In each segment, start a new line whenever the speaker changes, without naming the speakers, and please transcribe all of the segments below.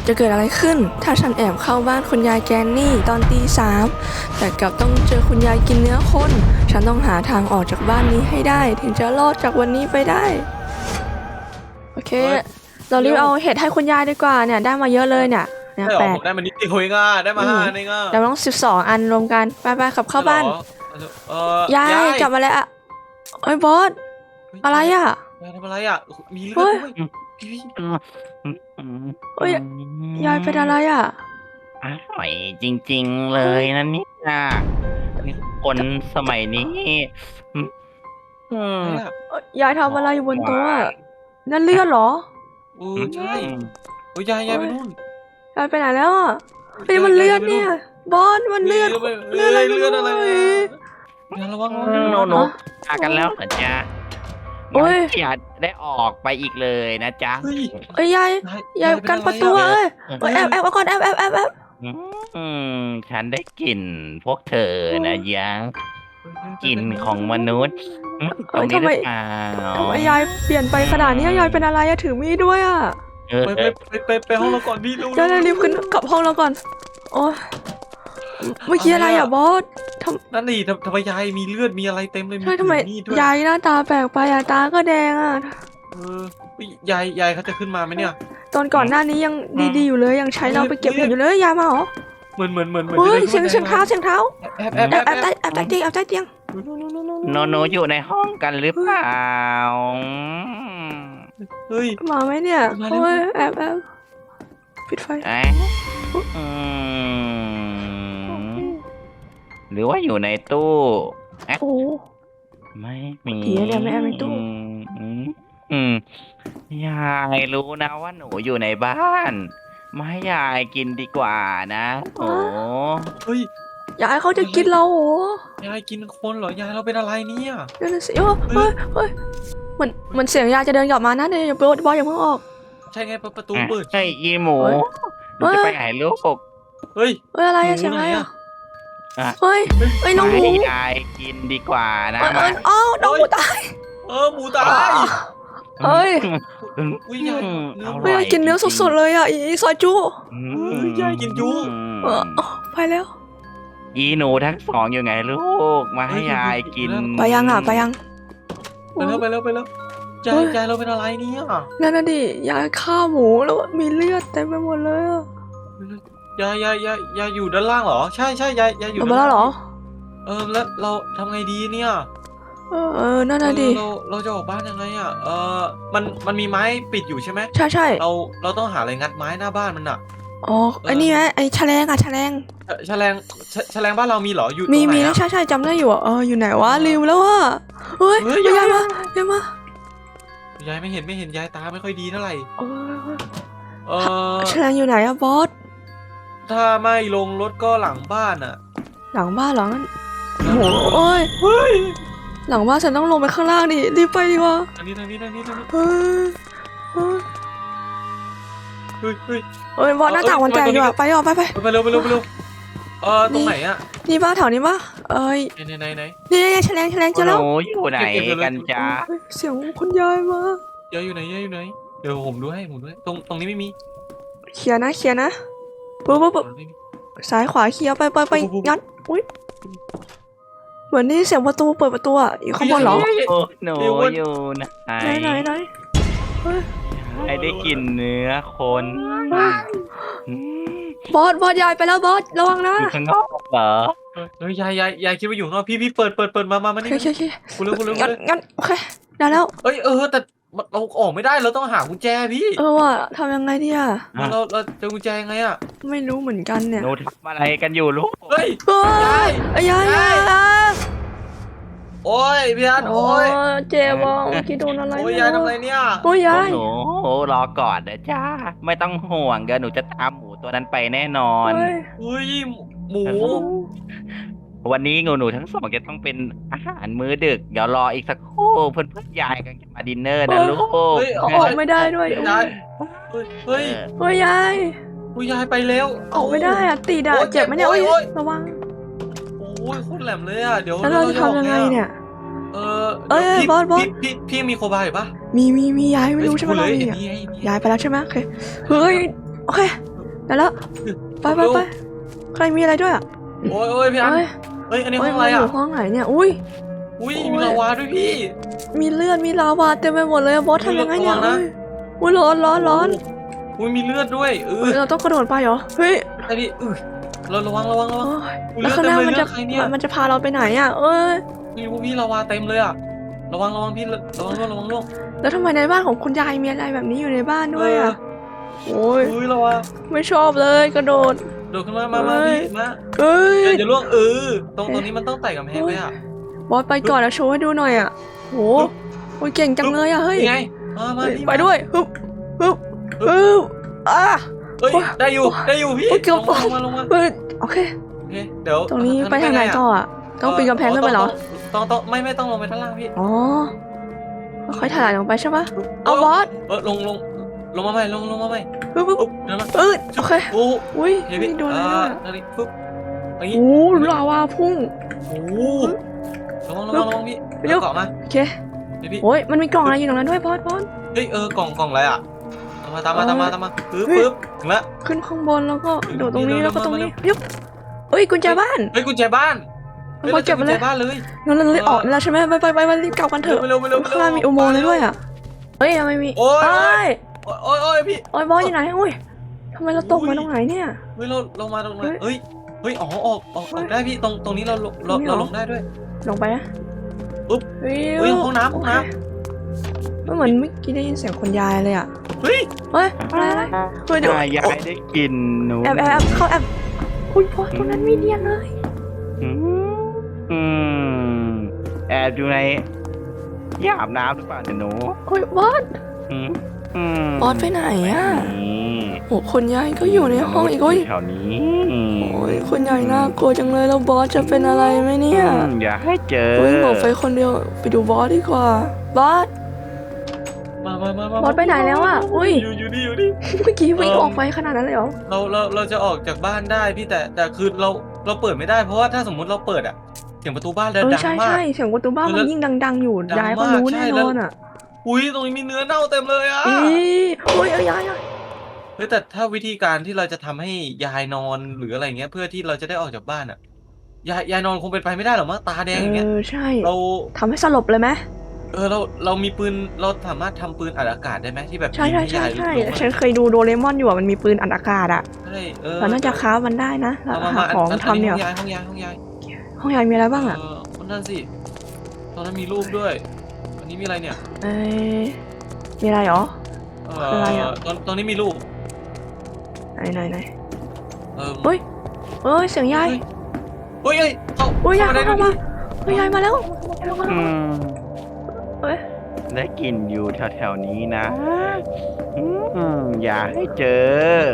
จะเกิดอะไรขึ้นถ้าฉันแอบเข้าบ้านคุณยายแกนนี่ตอนตี 3แต่กลับต้องเจอคุณยายกินเนื้อคนฉันต้องหาทางออกจากบ้านนี้ให้ได้ถึงจะรอดจากวันนี้ไปได้โอเคเรารีบเอาเห็ดให้คุณยายดีกว่าเนี่ยได้มาเยอะเลยเนี่ย
ได้หรอ
8
ผมได้มานิดเดียวเองอ่ะได้มา5เองอ่ะ
เราต้อง12 อันรวมกันไปๆขับเข้าบ้านยายกลับมาแล้วไอ้บอสอะไรอ่ะ
ยายทำอะไรอ่ะมีเลือดด้วย
เฮ้ยยายเป็นอะไรอ่ะ
อร่อยจริงๆเลยนะเนี่ยคนสมัยนี้
ยายทำอะไรอยู่บนโต๊ะนั่นเลือดเหรอ
ใช่โอ้ยยายไปนู่น
ยายไปไหนแล้วอ่ะเฮ้ยมันเลือดเนี่ยบอสมันเลือดอะไร
ยายระวัง
โนพากันแล้วเหรอจ๊ะอย่าได้ออกไปอีกเลยนะจ๊ะ
เอ้ยยายกันประตูแอบก่อนแอบ
ฉันได้กลิ่นพวกเธอนะยะกลิ่นของมนุษย์ตรงนี้หรือเปล่า
ทำไมยายเปลี่ยนไปขนาดนี้ยายเป็นอะไรอะถือมีดด้วยอะ
ไปห้องเราก่อนพี่
ยายรีบขึ้นกลับห้องเราก่อนโอ้เมื่อกี้อะไรอะบอส
นั่นนี่ทำไมยายมีเลือดมีอะไรเต็มเลย
ใช่ทำไมยายหน้าตาแปลกไปอะตาก็แดงอะ
ยายเขาจะขึ้นมาไหมเนี่ย
ตอนก่อนหน้านี้ยังดีๆอยู่เลยยังใช้เราไปเก็บเห็ดอยู่เลยยายมาเหรอ
เหมือน
เฮ้ยเสียงเท้า
แอบ
ใต้เตียง
โนอยู่ในห้องกันหรือเปล่า
เฮ้ย
มาไหมเนี่ยโอ้ยแอบปิดไฟ
หรือว่าอยู่ในตู้
โอ้
ไม่มี
เนี่ยไม่แอบในตู้
ยายรู้นะว่าหนูอยู่ในบ้านมาให้ยายกินดีกว่านะโอ้
เฮ้ย
ยายเขาจะกินเราโอ้
ยายกินคนเหรอยายเราเป็นอะไรเนี่ย
นั่นสิเฮ้ยมันเสียงยายจะเดินกลับมานะเดี๋ยวอย่าเพิ่งออก
ใช่ไงประตูเปิด
ใช่อีหมูจะไปไหนลูก
เฮ้ย
อะไรเสียงอะไรเฮ้ยน้องหมู
ยายกินดีกว่านะ
น้องหมูตาย
หมูตาย
เฮ้ย
ยาย
กินเนื้อสดๆเลยอ่ะอีซอยจู
ยายกินจู
ไปแล้ว
อีหนูทั้งสองอยู่ไงลูกมาให้ยายกิน
ไปยังไปแล้ว
ยายเราเป็นอะไรเนี่ย
นั่นน่ะดิยายฆ่าหมูแล้วมีเลือดเต็มไปหมดเลย
ยายอยู่ด้านล่างเหรอใช่ยายอยู่
ด้านล่างเหรอ
แล้วเราทำไงดีเนี่ย
นั่นน่ะดิ
เราจะออกบ้านยังไงอ่ะมันมีไม้ปิดอยู่ใช่ไหม
ใช่
เราต้องหาอะไรงัดไม้หน้าบ้านมันอ่ะ
อ๋อไอ้นี่ไหมไอ้แฉลง
แฉลงบ้านเรามีเหรออยู่
มีใช่จำได้อยู่อยู่ไหนวะลืมแล้วอ่ะเฮ้ยยายม
ายายไม่เห็นยายตาไม่ค่อยดีเท่าไหร่
แฉลงอยู่ไหนอะบอส
ถ้าไม่ลงรถก็หลังบ้านอะ
หลังบ้านหรอโอ้โอ้ยหลังบ้านฉันต้องลงไปข้างล่างดิรีบไปดีกว่า
ทางนี้
บอสหน้าต่างมันแตกอยู่อะไปเร็ว
เร็วตรงไหนอะ
นี่บ้านแถวนี้ปะ
ไหน
นี่แฉลงเจอแล้ว
อยู่ไหนกันจ้า
เสียงคุณยายมาย
ายอยู่ไหนเดี๋ยวผมดูให้ตรงนี้ไม่มี
เคลียร์นะปุ๊บซ้ายขวาเคลียร์ไปงัดอุ้ยเหมือนนี่เสียงประตูเปิดประตูอ่ะอยู่ข้างบนเหรอ
หนูอยู่ไหนให้ได้กินเนื้อคน
บอสยายไปแล้วบอสระวังนะ
อยู่ข้างนอกเหร
อยายคิดว่าอยู่ข้างนอกพี่เปิดมานี่
โอเค
คุณเร็ว
งั้นโอเคได้แล้ว
แต่เราออกไม่ได้เราต้องหากุญแจพี่
ว่ะทำยังไงดีอ่ะ
เราจะกุญแจยังไงอ่ะ
ไม่รู้เหมือนกันเนี่ย
หนูทำอะไรกันอยู่ลูก
ยาย
โอ้ยพี่อันโอ้ย
เจ็บว่ะคิดโดนอะไร
โอ้ยยายทำอะไรเนี่ย
โอ้ยยาย
หนูรอก่อนนะจ้าไม่ต้องห่วงเดี๋ยวหนูจะตามหมูตัวนั้นไปแน่นอน
หมู
วันนี้หนูทั้งสองจะต้องเป็นอาหารมื้อดึกเดี๋ยวรออีกสักครู่เพื่อนยายกันจะมาดินเนอร์นะลูก
ออกไม่ได้ด้วยย
ายไปแล้ว
ออกไม่ได้อ่ะติดอ่ะเจ็บไหมเนี่ยระวัง
โอ้ยโคตรแหลมเลยอ่ะเดี๋ยว
แล้วเราจะทำยังไงเนี่ยบอส
พี่มีโคบายป่ะ
มียายไม่รู้ใช่ไหมเรามียายไปแล้วใช่ไหมโอเคเฮ้ยโอเคแล้วไปใครมีอะไรด้วยอ่ะ
โอ้ยพี่อัน
เอ้ย
เฮ้ยอันนี้
เอ้
ห้
ย
องอะไร
มันอ
อ่ะ
ยู่ห้องไหนเนี่ยอุ้ย
อุ้ย
โอ้ย
มีลาวาด้วยพี่
มีเลือดมีลาวาเต็มไปหมดเลยอะบอสทำยังไงเนี่ย
ระวังนะ
อุ้ยร้อน
อุ้ยมีเลือดด้วย
เฮ้ยเราต้องกระโดดไปเหรอเฮ้ย
ไอ้พี่เราระวัง
โอ้ย
อุ๊ย
แล้วข้างหน้า
เลื
มั
อน ด
จะ
เต็มเลยเลือดใครเนี่ย
มันจะพาเราไปไหนอ่ะเอ้ย
มีพวกพี่ลาวาเต็มเลยอ่ะระวังพี่ระวังล่วง
แล้วทำไมในบ้านของคุณยายมีอะไรแบบนี้อยู่ในบ้านด้วยอ่ะโอ้ย
อุ้ยลาวา
ไม่ชอบเลยกระโดด
โดดขึ้นมาพี่มา
เอ้ย
อย่าล่วงตรงนี้มันต้องไต่กำแพงเลยอ่ะ
บอสไปก่อนแล้วโชว์ให้ดูหน่อยอ่ะโหโอ้ยเก่งจังเลยอ่ะเฮ้ย
นี่ไงมา
เฮ้ย
พี่
ไปด้วยฮึบอ่ะ
เฮ้ยได้อยู่พี่
โอ้ยเกือบตก
ลงมา
เฮ้ยโอเค
โอเคเดี๋ยว
ตรงนี้ไปทางไหนต่ออ่ะต้องปีนกำแพงขึ้นไปเหรอ
ต้องไม่ต้องลงไปข้างล่างพี่
อ๋อค่อยๆถ่ายลงไปใช่ปะเอาบอส
ลงมาใหม่ลงมาใหม่
ปึ๊บ
ปุ๊บเดี๋ยวนะ
โอเค
โอ้
อุ้ย
เดี๋ยว
ไม่
พี่
โดนอะไรด้วย
นั่นนี่ปุ๊บอย่างนี้
โอ้ลาวาพุ่ง
โอ้ระวังพี่
ไปเร็ว
เกาะมา
โอเค
เดี๋ยวพี่
โอ้ยมันมีกล่องอะไรอยู่ตรงนั้นด้วยบอส
เฮ้ยกล่องอะไรอ่ะตามมาปึ๊บถึงละ
ขึ้นข้างบนแล้วก็โดดตรงนี้
เร็วๆ
แล้วก็ตรงนี้
มา
ยุบเฮ้ยกุญแจบ้าน
เฮ้ยกุญแจบ้าน
บอสเก็บมาเลย
กุญแจบ้านเลย
งั้นเราเลยออกแล้วใช่ไหมไปรีบกลับกันเถอะ
เร็ว
ข้างล่างมีอุโมงค์เลยด้วยอ่ะเฮ้ยทำไมมี
โอ้ย
เอ้ย
โอ้ยพี่
โอ้ยบอสอยู่ไหนอุ้ยทำไมเราตกมาตรงไหนเนี่ย
เฮ้ยเรามาตรงไหนเฮ้ยออกได้พี่ตรงนี้เราลงได้ด้วย
ลงไปนะ
ปุ๊บ
เฮ้
เฮ้ยห้องน้ำ
เหมือนเมื่อกี้ได้ยินเสียงคุณยายเลยอ่ะ
เฮ้ย
อะไรเฮ้ยเดี๋ยวย
ายได้กลิ่นหนู
แอบเข้าแอบอุ้ยบอสตรงนั้นมีเดียนเลย
อืมแอบอยู่ในที่อาบน้ำหรือเปล่าเนี่ยหนู
โอ้ยบอส
อืม
บอสไปไหนอ่ะ
นี่
โอ้คุณยายก็อยู่ในห้องอีกโอ้ย
แถวนี้
โอ้ยคุณยายน่ากลัวจังเลยแล้วบอสจะเป็นอะไรไหมเนี่ย
อย่าให้เจอ
โอ้ยหมอไฟคนเดียวไปดูบอสดีกว่าบอส
มา
บอสไปไหนแล้วอ่ะอุ้ย
อยู่นี่
เมื่อกี้วิ่งออกไปขนาดนั้นเลยเหรอ
เราจะออกจากบ้านได้พี่แต่คือเราเปิดไม่ได้เพราะว่าถ้าสมมุติเราเปิดอ่ะเสียงประตูบ้านดัง
ใช่
มาก
เสียงประตูบ้านมันยิ่งดังๆอยู่
ดังมาก
ยายก็รู้
ใช่
แน่
แล้
น
ว
อนอ่ะ
อุ้ยตรงนี้มีเนื้อเน่าเต็มเลยอ่ะ
โอ้ยยาย
เฮ้ยแต่ถ้าวิธีการที่เราจะทำให้ยายนอนหรืออะไรเงี้ยเพื่อที่เราจะได้ออกจากบ้านอ่ะยายนอนคงเป็นไปไม่ได้หรอกมั้งตาแดงอย่างเงี้ย
ใช่
เรา
ทำให้สลบเลยไหม
เรามีปืนเราสามารถทำปืนอัดอากาศได้ไหมที่แบบ
ใช่
ยิงห้ยายลง
ฉันเคยดูโดเรมอนอยู่อ่ะมันมีปืนอัดอากาศอ่ะ
ใช่
เราน่าจะค้ามันได้นะเราหาของทำเนี่ย
ห้องยาย
ห้องยายมีอะไรบ้างอ่ะ
คนนั้นสิตอนนั้นมีรูปด้วยอันนี้มีอะไรเนี่ย
มีอะไรหรอ อะไรอะ
ตอนนี้มีรูป
ไหน
เออ
เฮ้ยเสียงยาย
เฮ้ยเขา
โอ้ยยาย
ได้
เข้ามาเฮ้ยยายมาแล้ว
อืม
เฮ้ย
ได้กลิ่นอยู่แถวๆนี้นะอย่าให้เจอ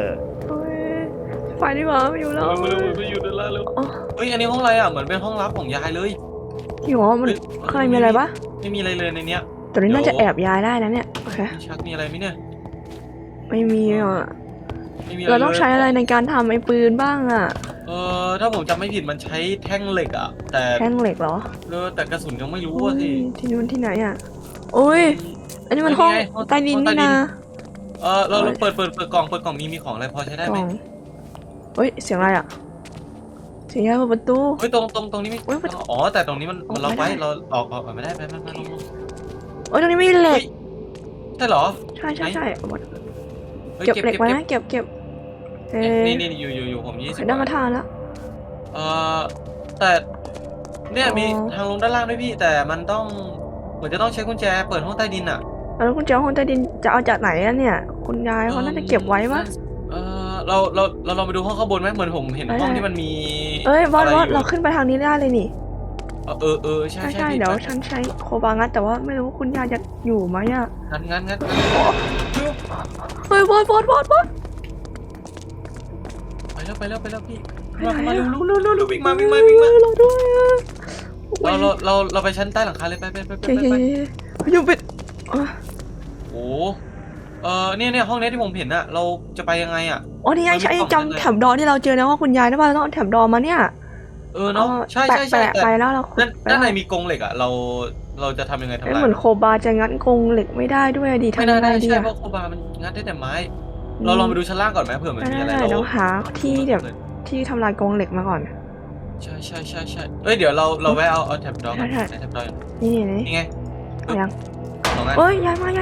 ไปดีกว่าไม่อยู่แล้ว
มาอยู่ด้านล่างแล้วเฮ้ยอันนี้ห้องอะไรอ่ะเหมือนเป็นห้องลับของยายเลย
พี่หมอมันข้างในมีอะไรปะ
ไม่มีอะไรเลยในเนี้ย
ตัวนี้น่าจะแอบยายได้นะเนี่ยโอเค
มีชักมีอะไรไหมเนี่ย
ไม่มีอ่ะ
ไม่มี
เราต้องใช้อะไรในการทำไอ้ปืนบ้างอ่ะ
ถ้าผมจำไม่ผิดมันใช้แท่งเหล็กอ่ะแต่
แท่งเหล็กเหรอ
แต่กระสุนยังไม่รู้อ่ะสิ
ที่นู่นที่ไหนอ่ะโอ้ยอันนี้มันห้องใต้ดินนี่นะ
เราเปิดกล่องมีของอะไรพอใช้ได้ไหม
เฮ้ยเสียงอะไรอ่ะเสียงยายเปิดประตู
เฮ้ยตรงนี้ไม่อ๋อแต่ตรงนี้มันล็อกไว้เราออกไม่ได้ไปลง
โอ้ยตรงนี้ไม่เหล็ก
ใช่เหรอ
ใช่เก็บเหล็กไว้นะเก็บ
นี่อยู่ผม20
ได้มาทานแล้ว
แต่เนี่ยมีทางลงด้านล่างด้วยพี่แต่มันต้องเหมือนจะต้องใช้กุญแจเปิดห้องใต้ดินอ่ะ
แล้วคุณเจ้าห้องใต้ดินจะเอาจากไหนอะเนี่ยคุณยายเขาน่าจะเก็บไว้ปะ
เราลองไปดูห้องข้างบนไหมเหมือนผมเห็นห้องที่มันมี
บอสเราขึ้นไปทางนี้ได้เลยนี่
ใช่
เดี๋ยวฉันใช้โคบางัดแต่ว่าไม่รู้ว่าคุณยายจะอยู่ไหมอะ
งั้น
เฮ้ยบอส
ไปแล้วพี่มาเร็ววิ่งมา
เราด้วย
เราไปชั้นใต้หลังคาเลยไป
อยู่ปิด
โอ้เนี่ยห้องนี้ที่ผมเห็นอะเราจะไปยังไงอะ
อ๋อนี่ไงใช่จำแถบดอที่เราเจอนะว่าคุณยายได้ป่ะเราต้องเอาแถบดอมาเนี่ย
เนาะใช่
แปะไปแล้วเรา
ด้านในมีกรงเหล็กอะเราจะทำยังไงทำลาย
เหมือนโคบาจะงัดกรงเหล็กไม่ได้ด้วยดิ
ไม่
ทำยังไง
ได้
ดี
ใช่
อะ
เพราะโคบามันงัดได้แต่ไม้เราลองไปดูชั้นล่างก่อนไหมเผื่อมันมีอะไร
ได้
เรา
เดี๋ยวหาที่แบบที่ทำลายกรงเหล็กมาก่อน
ใช่เอ้ยเดี๋ยวเราแวะเอาแท็บดอกกัน
ใช่
แท็บดอก
นี่
นี่ไง
เอายัง
สองอัน
เอ้ยย้ายมา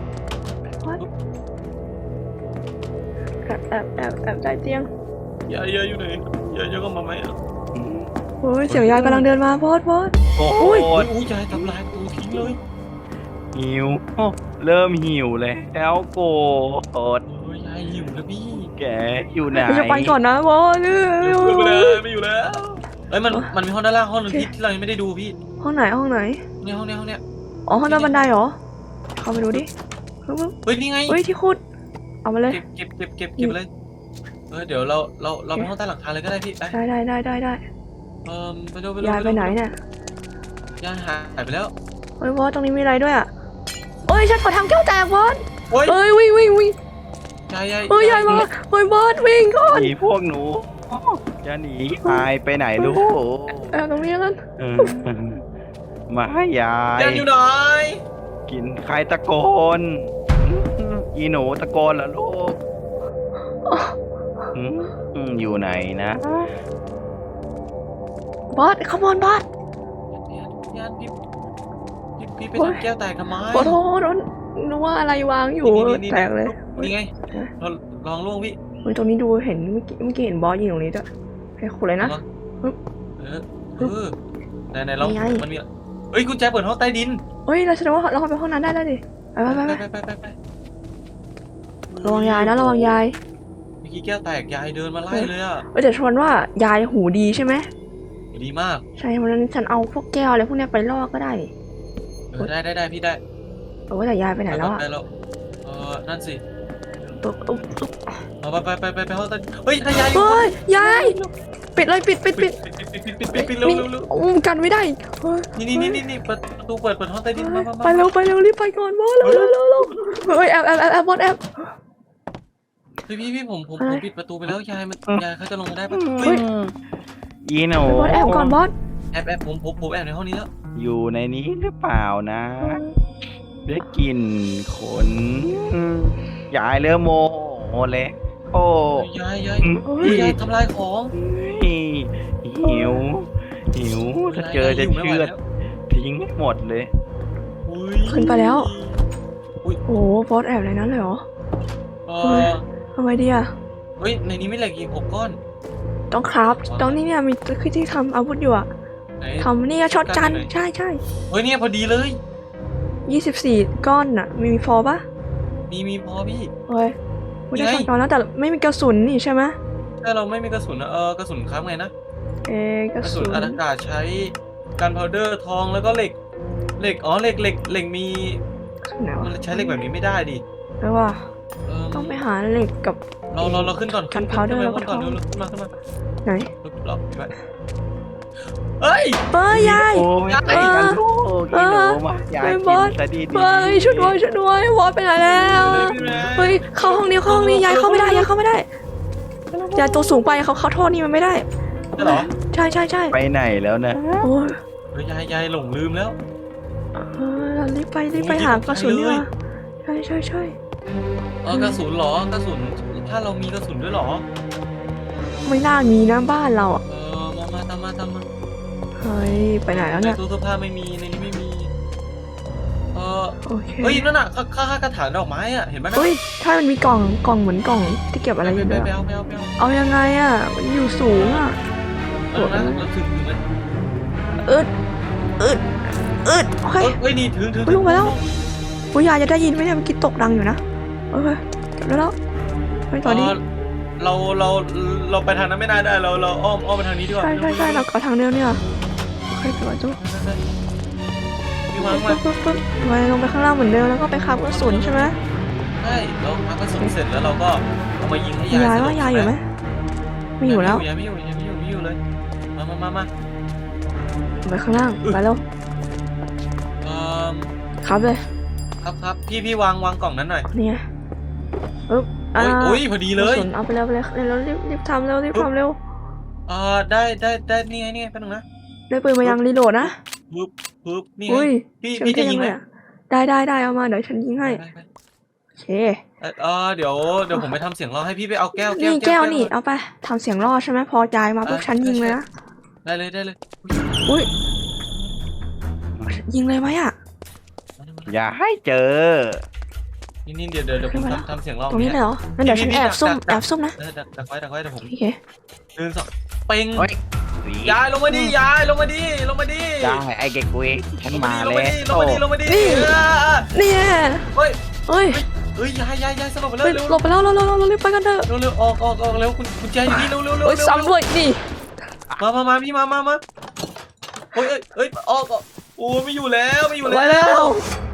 แอบใต้เตียง
ยายอยู่ไหนยายก็มาไหมอ่ะ
โอ้ยเสียงยายกำลังเดินมาโพส
โอ้
อุ้ย
อุ้ยยายทำลายประตูทิ้งเลย
หิวเริ่มหิวเลยแล้วโกรธ
โอ้ยยายหิวแล้วพี่
แกอยู่ไหน
จะไปก่อนนะโพส
ไม่อยู่แล้วเอ้ยมันมีห้องด้านล่างห้องนึงที่เรายังไม่ได้ดูพี่
ห้องไหน
เนี่ยห้องเนี้ย
อ๋อห้องใต้บันไดเหรอเข้าไปดูดิ
เฮ้ยนี่ไง
เฮ้ยที่ขุดเอามาเลย
เก็บเลยเดี๋ยวเราไปห้องใต้หลังคาเลยก็ได้พี่ไป
ได้
ไปดู
ยายไปไหนเนี่ย
ยายหายไปแล้ว
เฮ้ยโพสตรงนี้มีอะไรด้วยอ่ะเฮ้ยฉันขอทำแก้วแตกโพส
โอ้ย
เฮ้ยวิ่ง
ยาย
เฮ้ยยายมาเฮ้ยโพสวิ่งก่อน
หนีพวกหนูจะหนีหายไปไหนลูก
ตรงนี้กัน
เออมาให้ยาย
ยายอยู่ไหน
กินใครตะโกนอีหนูตะโกนเหรอลูกอยู่ไหนนะ
บอสขโมยบอส
ยายพี่ไปทำแก้วแตกทำไม
ขอโทษนึกว่าอะไรวางอยู่แตกเลย
นี่ไงเราลองล่วงพี่
เฮ้ยตรงนี้ดูเห็นเมื่อกี้เห็นบอสยืนตรงนี้ด้วยให้ขุดเลยนะ
ไหนลองมันมีเฮ้ยกุญแจเปิดห้องใต้ดิน
เฮ้ยเราแสดงว่าเราเข้าไปห้องนั้นได้แล้วดิไประวังยายนะระวังยาย
เมื่อกี้แก้วแตกยายเดินมาไล่เลยอ่ะ
แต่ชวนว่ายายหูดีใช่ไหม
ดีมาก
ใช่วันนั้นฉันเอาพวกแก้วอะไรพวกนี้ไปล่อก็ได้
ได้พี่ได้
แต่ยายไปไหนแล้วอ่ะ
ได้แล้วนั่นสิ
ปึ๊บ
ไปห้องใต้เฮ้ยถ้ายาย
เฮ้ยยายปิดเลยปิด
ปิดเร็ว
กันไม่ได้เฮ้ย
นี่ประตูเปิดห้องใต้ดินมา
ไปเร็วรีบไปก่อนบอสเร็วเฮ้ยแอบบอสแอบ
พี่ผมปิดประตูไปแล้วยายเขาจะลงมาได้ปะ
เฮ้ย
อีหนู
บอสแอบก่อนบอส
แอบผมแอบในห้องนี้แล้ว
อยู่ในนี้หรือเปล่านะได้กลิ่นขนยายเริ่มโมโหเลยโอ้
ยายทำลายของ
หิวถ้าเจอจะเชือดทิ้งให้หมดเลย
ขึ้นไปแล้วโอ้โหบอสแอบในนั้นเลยเหรอทำไมดีอ่ะ
เฮ้ยในนี้ไม่เหล็กอีก6 ก้อน
ต้องครับต้องนี่เนี่ยมีที่ทำอาวุธอยู่อ่ะทำนี่ช็อตกันใช่
เฮ้ยเนี่ยพอดีเลย
24 ก้อนอ่ะมีพอปะ
มีพอพี่
เฮ้ยไม่ได้ช็อตกันแล้วแต่ไม่มีกระสุนนี่ใช่ไหม
ถ้าเราไม่มีกระสุนกระสุนค้างไงนะ
กระ
กระสุ
สุ
น
น
อากาศใช้กันพาวเดอร์ทองแล้วก็เหล็กเหล็กมี
ไหนวะ
มันใช้เหล็กแบบนี้ไม่ได้ดิ
แปลว่าต้องไปหาเหล็กกับ
เราขึ้นก่อน
กัน powder แล้วก็
ก่อน
ทอง
ขึ้นมา
ไหน
เราเฮ้ย
ยาย
โอ้ยไอ้กันลูกอีหนูมายายกินซะดี
เฮ้ยช่วยด้วยบอสไปไหนแล้วเฮ้ยเข้าห้องนี้ยายเข้าไม่ได้ยายตัวสูงไปเขาโทษนี่มันไม่ได้
ใช่เหรอ
ใช่
ไปไหนแล้วนะ
โอ้ย
เฮ้ยยายหลงลืมแล้ว
เรารีบไปหากระสุนดีกว่าใช่
กระสุนเหรอกระสุนถ้าเรามีกระสุนด้วยเหรอ
ไม่น่ามีนะบ้านเราอ่ะ
มาตามมา
เฮ้ยไปไหนแล้ว
ใน
เนี่ย
ตู้เสื้อผ้าไม่มีในนี้ไม่มี
โอเค
เฮ้ยนั่นน่ะค่ากระถางดอกไม้อ่ะเห็นไหมนะ
เฮ้ยถ้ามันมีกล่องเหมือนกล่องที่เก็บอะไรอยู่ด้วย
ไป
อะ
เอา
เอายังไงอ่ะมันอยู่สูงอ่ะ
นะเราถึงไหม
อึดโอเค
เฮ้ยนี่ถึง
ลงมาแล้วปุ้ยยายจะได้ยินไหมเนี่ยเมื่อกี้ตกดังอยู่นะโอเคเก็บแล้วไปต่อดี
เราไปทางนั้นไม่ได้เราอ้อมไปทางนี้ดีกว่า
ใช่เราก็ทางเดิมเนี่ยโอเคเปิดตู้
พี่วางมา
ปึ๊บไปลงไปข้างล่างเหมือนเดิมแล้วก็ไปคาบกระสุนใช่ไหม
ใช่เราพักกระสุนเสร็จแล้วเราก็เอามายิงให้ยาย
ว่ายายอยู่ไหมไม่อยู่แล้ว
ยายไม่อยู่เลยมา
ไปข้างล่างไปแล้วครับเลย
ครับพี่วางกล่องนั้นหน่อย
เนี่ยปึ๊บ
โอ้ยพอดีเลย
เอาไปแล้วแล้วรีบทำเร็ว
ได้นี่ไงแป๊บนึงนะ
ได้ปืนมายังรีโหลดนะ
ปึ๊บนี่ไง
อุ้ย
พี่จะยิงไหม
ได้เอามาเดี๋ยวฉันยิงให้เค
เดี๋ยวผมไปทำเสียงรอให้พี่ไปเอาแก้ว
นี่แก้วนี่
ก่อน
เอาไปทำเสียงรอดใช่ไหมพอยายมาปุ๊บฉันยิงเลยนะ
ได้เลย
อุ้ยยิงเลยไหมอ่ะ
อย่าให้เจอ
นี่เดี๋ยวผมทำเสียงรอ
ตรงนี้เลยเหรองั้นเดี๋ยวฉันแอบซุ่มนะ
ดักไว้เดี๋ยวผม
โอเค
เดินสองเป่ง
เฮ้ย
ยายลงมาดิยายลงมาดิ
ได้ไอ้เก็กเว้ยฉันมา
ลง
แล้
มาดิ
ว
นี่
เฮ้ย
เฮ้ย
ยายสลบไปแล้ว
เฮ้ย
เร็ว
หลบไปแล้วเรารีบไปกันเถอะ
เร็วออกเร็วคุณแจอยู่นี่เร็ว
เฮ้ยซ้ำด้วยนี่
มาพี่มาเฮ้ยออกโอ้ไม่อยู่แล้ว
ไปแล้ว